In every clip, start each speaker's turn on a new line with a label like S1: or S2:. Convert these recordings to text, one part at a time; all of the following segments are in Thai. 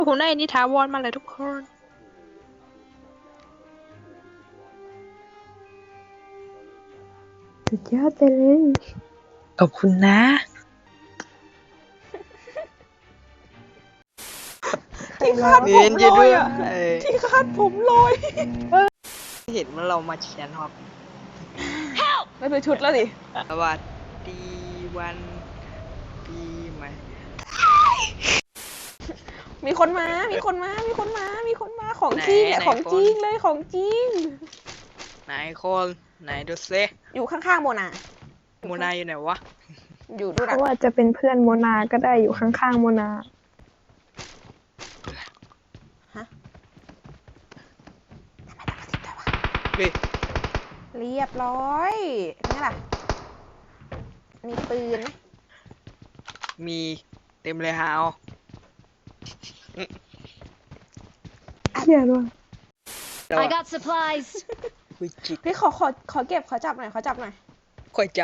S1: หูในนิทาวรมาเลยทุกคน
S2: สุดยอดไปเลย
S1: ขอบคุณนะ
S3: ที่คาดผมลอยอ่ะที่คาดผมลอย
S1: เห็นว่าเรามาเชียร์ครับ
S3: ไม่เป็นชุดแล้วสิ
S1: สวัสดีวันปีใหม่
S3: มีคนมาของจริงของจริงเลยของจริง
S1: ไหนคนไหนดูซิ
S3: อยู่ข้างๆโมนา
S1: โมนาอยู่ไหนวะ
S3: อยู่ดู
S2: เพ
S3: ดัก
S2: ราะว่าจะเป็นเพื่อนโมนาก็ได้อยู่ข้างๆโมนา
S1: เฮ้ย
S3: เรียบร้อยนี่ล่ะมีปืนไหม
S1: มีเต็มเลยฮาว
S2: เหี้ยด้วย
S4: I got supplies.
S1: คุยจิก
S3: พี่ขอเก็บขอจับหน่อย
S1: ค่อยจับ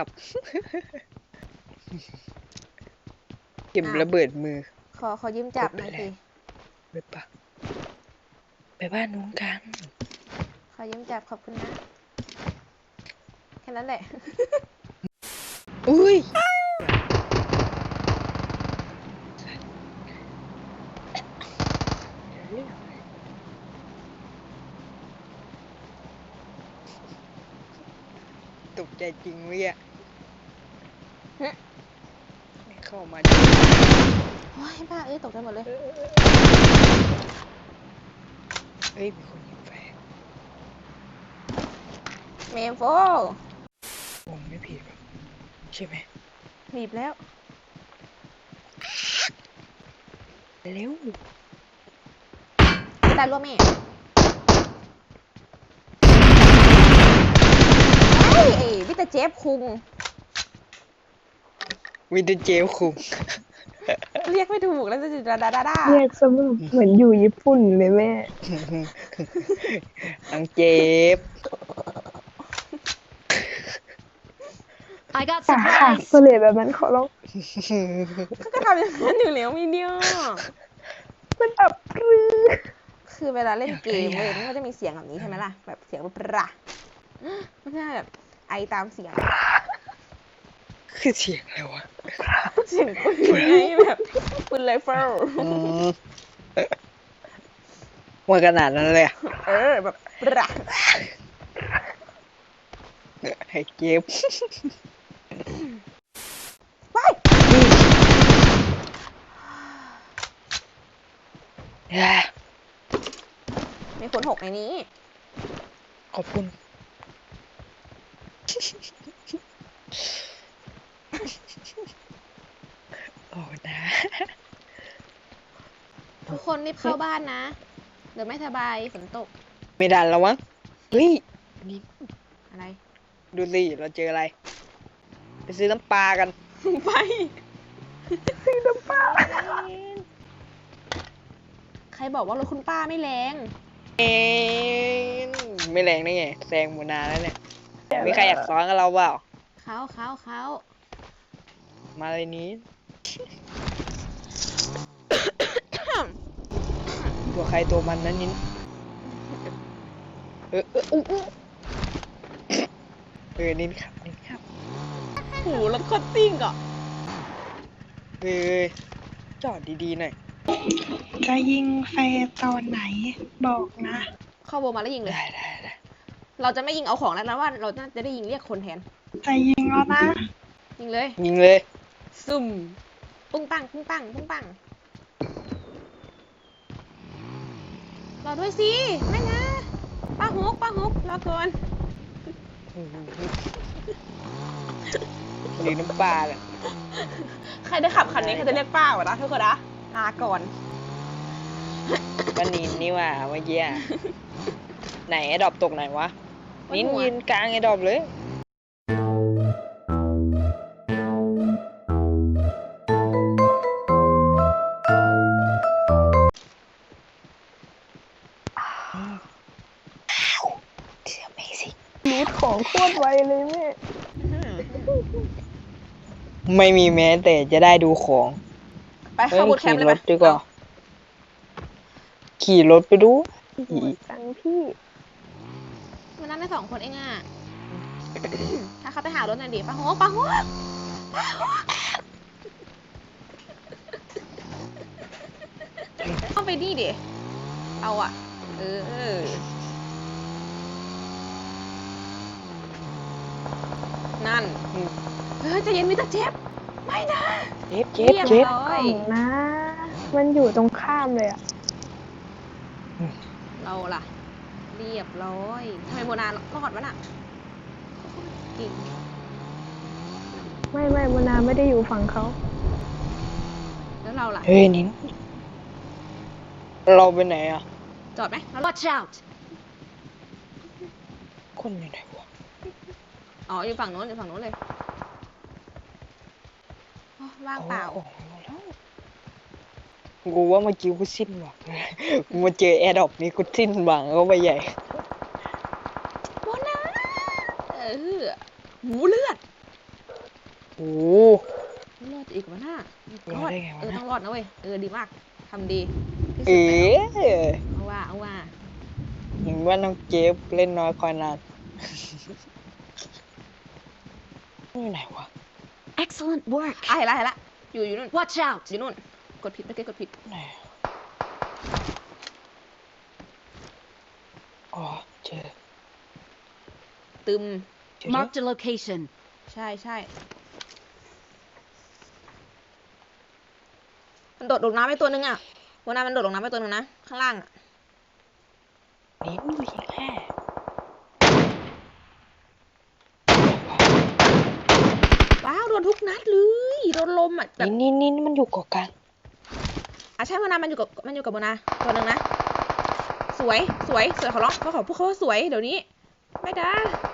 S1: เก็บระเบิดมือ
S3: ขอยืมจับหน่อยสิ
S1: ไปปะไปบ้านนู้นกัน
S3: ขอยืมจับขอบคุณนะแค่นั้นแหละ
S1: อุ้ยตกใจจริงเว้ย
S3: ฮะ
S1: ไม่เข้ามา
S3: โอ้ยบ้าตกใจหมดเลย
S1: เฮ้ยมีคนยิงแฟร์
S3: เมมโฟ
S1: ผมไม่ผิดหรอกใช่ไหม
S3: หนีบแล้ว
S1: เร็ว
S3: ตายรัวแม่เฮ้ยวิตาเจฟคุง
S1: วินเทอร์เจลคุง
S3: เรียกไม่ถูกแล้วจะจุดดาดา
S2: เรียกซะเหมือนอยู่ญี่ปุ่นเลยแม่
S1: อังเจ็บ
S4: I got
S2: ค่ะ
S4: supplies.
S2: ก็เลยแบบนั้นขอร้อง
S3: เขาก็ทำอย่างนั้นอยู่แล้วมีเดียว
S2: มันอับปรือ
S3: คือเวลาเล่นเกมเว้ยมันก็จะมีเสียงแบบนี้ใช่ไหมล่ะแบบเสียงแบบประไม่ใช่แบบไอตามเสียง
S1: คือเสียงอะไรวะ
S3: เสียงปืนไงแบบปืนไรเฟิล
S1: ว่าขนาดนั้นเลยอะ
S3: แบบประ
S1: ให้เจ็บ
S3: ว้าย มีคนหกในนี้
S1: ขอบคุณ โอ้นะ
S3: ทุกคนรีบเข้าบ้านนะเดี๋ยวไม่สบายฝนตก
S1: ไม่ดันแล้วมั้งเฮ้ยนี่
S3: อะไร
S1: ดูสิเราเจออะไร ไปซื้อน้ำปลากัน
S3: ไป ใครบอกว่ารถคุณป้าไม่แรง
S1: เอ็นไม่แรงได้ไงแซงหมูนาแล้วเนี่ยมีใครอยากซ้อนกับเราเปล่า
S3: เขา
S1: มาเลยนี้ ตัวใครตัวมันนั้นนินนินครับ
S3: โหรถโคตรซิ่งอ่ะ
S1: จอดดีๆหน่อย
S2: จะยิงแฟร์ตอนไหนบอกนะ
S3: เข้าโบมาแล้วยิงเลย
S1: ได้
S3: เราจะไม่ยิงเอาของแล้วนะว่าเราจะได้ยิงเรียกคนแทน
S2: จะยิงแล้วนะ
S3: ยิงเลย
S1: ยิงเลย
S3: ซุ่มปุ้งปังรอด้วยสิไม่นะป้าฮุกรอก่อน
S1: หรือน้ำปลาเนี่ย
S3: ใครได้ขับคันนี้ใครจะเรียกป้าวะนะทุกคนนะลาก่อน
S1: ป้านินนี่ว่าเมื่อกี้อะไหนไอ้ดรอปตกไหนวะ นินยืนกลางไอ้ดรอปเลย
S2: รูดของโคตรไวเลยแม่
S1: ไม่มีแม้แต่จะได้ดูของ
S3: ไปเข้าบูทแคมป์เลยไหม
S1: ขี่รถดีกว่าขี่รถไปดู
S3: โหดจังพี่มันนั่งได้2 คนเองอ่ะ ถ้าเขาไปหารถหน่อยดิปะโหปะโหต้องไปนี่ดิเอาอ่ะ นั่นเฮ้ยใจะเย็นมิสเตอร์เจฟไม่นะ
S1: เจ็บเจ็บเจ็บ
S3: ร้อย
S2: นะ มันอยู่ตรงข้ามเลยอะ
S3: เราล่ะ เรียบร้อยทำไมโมนารอดวะน่ะเก่ง
S2: ไม่โมนาไม่ได้อยู่ฝั่งเขา
S3: แล้วเราล่ะ
S1: เฮ้ยนิ้นเราไปไหนอ่ะ
S3: จอดไหมแล้ว
S4: Watch out!
S1: คนอยู่ไหนวะ
S3: อ๋ออยู่ฝั่งโน้นเลยโอ้ว่างเปล่า
S1: อของมาแล้วกูว่าเมื่อกี้กูสิ้นหวังเลยกูมาเจอแอร์ดรอปนี้กูสิ้นหวังเข้าไปใหญ่
S3: โมนาหูเลือด
S1: โอ้
S3: รอดอีกวะน่าร
S1: อดได้ไงวะน่ะ
S3: ต้องรอดนะเว้ยดีมากทำดีที่
S1: เอ
S3: สุดแล้ว
S1: อ
S3: เอาว่า
S1: เห็นว่าน้องเจฟเล่นน้อยคอยนานนี่ไหนวะ
S4: Excellent work.
S3: เห็นละอยู่นู่น
S4: Watch out!
S3: อยู่นู่นกดผิดเมื่อกี้กดผิด
S1: ไหนอ๋อเจอ
S3: ตึม
S1: เจอแล้ว
S4: Marked a location.
S3: ใช่มันโดดลงน้ำไปตัวนึงอ่ะวันนั้นมันโดดลงน้ำไปตัวนึงนะข้างล่างอ่ะ
S1: นิ้นดูยิงแค่
S3: ว้าวโดนทุกนัดเลยโดนลมอ่ะแบบ
S1: นี่มันอยู่เกาะกลาง
S3: ใช่วันนั้นมันอยู่กับโมนาตัวนึงนะสวยขอร้องเขาขอพวกเขาว่าสวยเดี๋ยวนี้ไม่ได้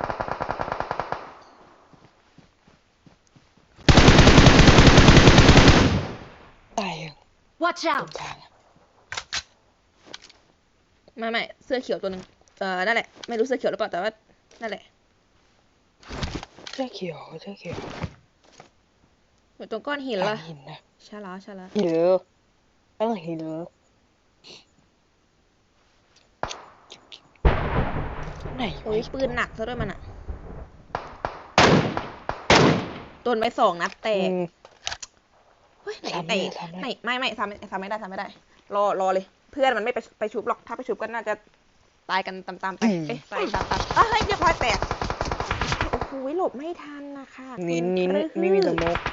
S1: ตายยัง
S4: Watch
S1: ตรง
S4: out!
S1: กลางอะ
S3: ไม่เสื้อเขียวตัวนึงนั่นแหละไม่รู้เสื้อเขียวหรือเปล่าแต่ว่านั่นแหละ
S1: เสื้อเขียว
S3: อยู่ตรงก้อนหิน
S1: กลา
S3: ละ
S1: งหินนะ
S3: ใช่แล้ว
S1: หินตั้งหินไหน
S3: โอ้ยปืนหนักซะด้วยมันอ่ะโดนไป2 นัดแตก เฮ้ยไหนไม่ซ้ำไม่ได้รอเลยเพื่อนมันไม่ไปชุบหรอกถ้าไปชุบก็น่าจะตายกันตามๆไปเอ๊ะตายตามเฮ้ยเรียบร้อยแตกโอ้โหหลบไม่ทันนะคะ
S1: นิ้น
S3: คุณ
S1: ไม่มีสโมก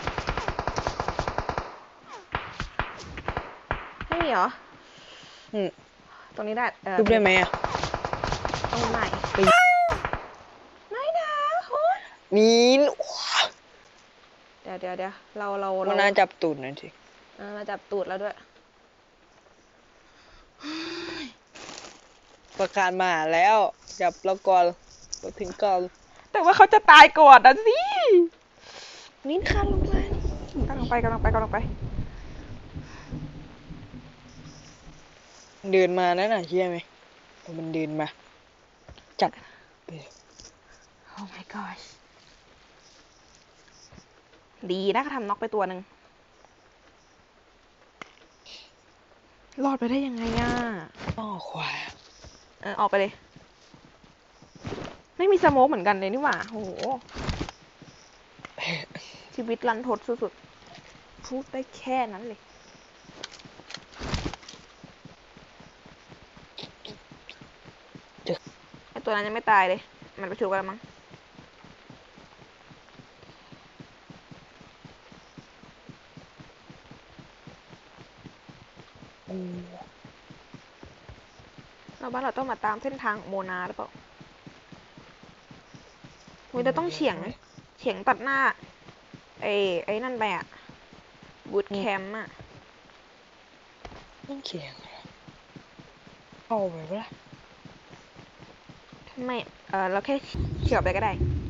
S3: ไม่มีเหรอ
S1: อืม
S3: ตรงนี้ได้
S1: ทุบได้ไหมอ่ะ
S3: ตรงไหน
S1: ไป
S3: ไม่นะโอ้ย
S1: นิ้น
S3: เดี๋ยวเรา
S1: มันน่าจับตูดหน่อยสิ
S3: มาจับตูดแล้วด้วย
S1: ประกาศมาแล้ว จับแล้วก่อนเราถึงก่อน
S3: แต่ว่าเขาจะตายก่อนนะสิ
S1: นิ้นคานลงไป
S3: กำลังไป
S1: เดินมานั่นน่ะเชื่อไหมมันเดินมา จับ
S3: Oh my gosh ดีนะเขาทำน็อกไปตัวหนึ่งรอดไปได้ยังไงอ่ะ
S1: อ้อขวา
S3: ออกไปเลย ไม่มีสโมกเหมือนกันเลยนี่หว่าโอ้โห ชีวิตรันทดสุดๆ พูดได้แค่นั้นเลยไอตัวนั้นยังไม่ตายเลย มันไปชูกันแล้วมั้ง
S1: โอ้
S3: เราบ้านเราต้องมาตามเส้นทางโมนาหรือเปล่าเราต้องเฉียงตัดหน้า ไอ้นั่นไปอ่ะบูทแคมป์อ่ะ
S1: ต้องเขียงเหรอเข้าไปปะล่ะ
S3: ไม่ เราแค่เฉียวไปก็ได้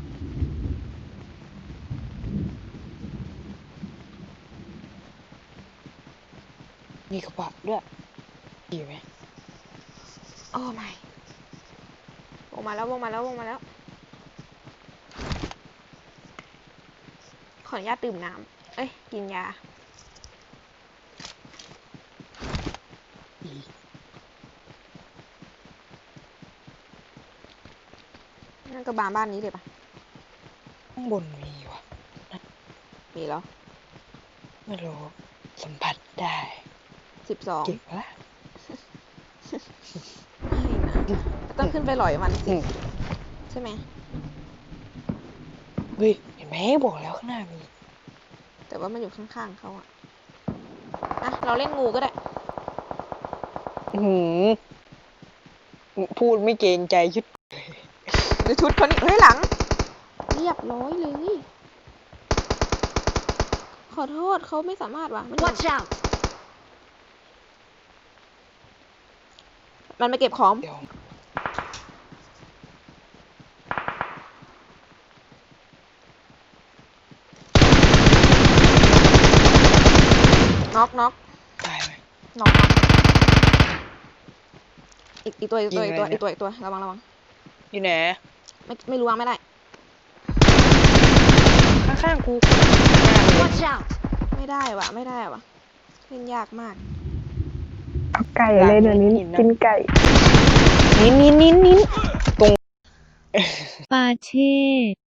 S1: มีกระบะด้วยดีไหม
S3: โอ้ไม่วงมาแล้ว ขออนุญาตดื่มน้ำ เอ้ย กินยา
S1: ดี
S3: นั่นก็บ้านนี้เลยปะ
S1: ข้างบนมีวะ
S3: มีแล้ว
S1: ไม่รู้สัมผัสได้
S3: 12
S1: เก็บละ
S3: ไม่นะต้องขึ้นไปหลอยมัน
S1: อืม
S3: ใช่ไหม
S1: เฮ้ยเห็นไหมบอกแล้วข้างหน้ามี
S3: แต่ว่ามันอยู่ข้างๆเขาอะอ่ะ เราเล่นงูก็ได้
S1: อื้อหือพูดไม่เกรงใจชุด
S3: ดูชุดเขานี่เฮ้ยหลัง เรียบร้อยเลย ขอโทษเขาไม่สามารถว่ะมัน
S4: Watch out!
S3: มันไปเก็บของ
S1: เดี๋ยว
S3: น็อกน็อก
S1: ตายไหม
S3: น็อกอีกตัว
S1: ยิงเลยนะ
S3: อีกตัวระวัง
S1: อยู่ไหน
S3: ไม่รู้วางไม่ได้
S1: ข้างๆกู
S4: Watch out!
S3: ไม่ได้ว่ะเล่นยากมาก
S2: เอาไก่เลยเดี๋ยวนี้กินไก่
S1: นิ้นตรง
S5: ปาเช่